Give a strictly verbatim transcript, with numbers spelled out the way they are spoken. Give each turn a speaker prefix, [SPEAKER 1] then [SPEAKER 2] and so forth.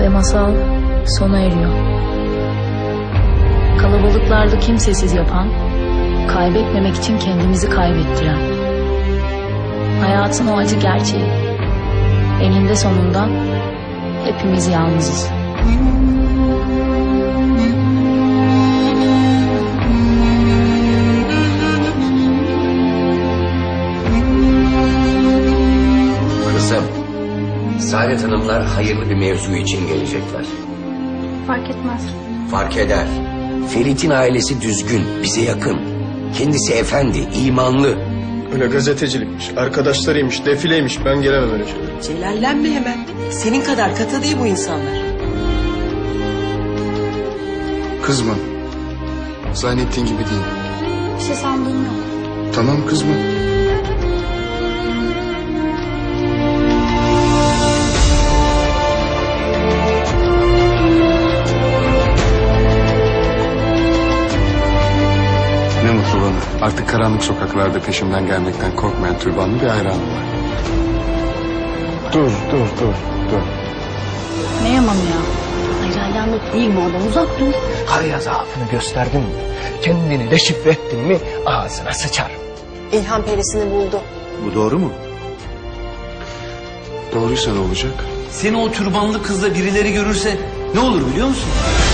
[SPEAKER 1] masal sona eriyor. Kalabalıklarda kimsesiz yapan, kaybetmemek için kendimizi kaybettiren. Hayatın o acı gerçeği. Eninde sonunda hepimiz yalnızız.
[SPEAKER 2] Kızım, Saadet Hanımlar hayırlı bir mevzu için gelecekler.
[SPEAKER 3] Fark etmez.
[SPEAKER 2] Fark eder. Ferit'in ailesi düzgün, bize yakın. Kendisi efendi, imanlı.
[SPEAKER 4] Öyle gazetecilikmiş, arkadaşlarıymış, defileymiş. Ben gelemem öyle şeylere.
[SPEAKER 5] Celallenme hemen. Senin kadar katı değil bu insanlar.
[SPEAKER 4] Kızma. Zannettiğin gibi değil.
[SPEAKER 3] Bir şey sandığım yok.
[SPEAKER 4] Tamam kızma. Ne mutlu bana. Artık karanlık sokaklarda peşimden gelmekten korkmayan türbanlı bir hayranım var. Dur, dur, dur, dur.
[SPEAKER 1] Ne yamanı ya?
[SPEAKER 3] Hayranlık değil bu adam, uzak dur.
[SPEAKER 6] Karıya zaafını gösterdin mi, kendini deşifre ettin mi ağzına sıçar.
[SPEAKER 5] İlhan perisini buldu.
[SPEAKER 4] Bu doğru mu? Doğruysa ne olacak?
[SPEAKER 7] Seni o türbanlı kızla birileri görürse ne olur biliyor musun?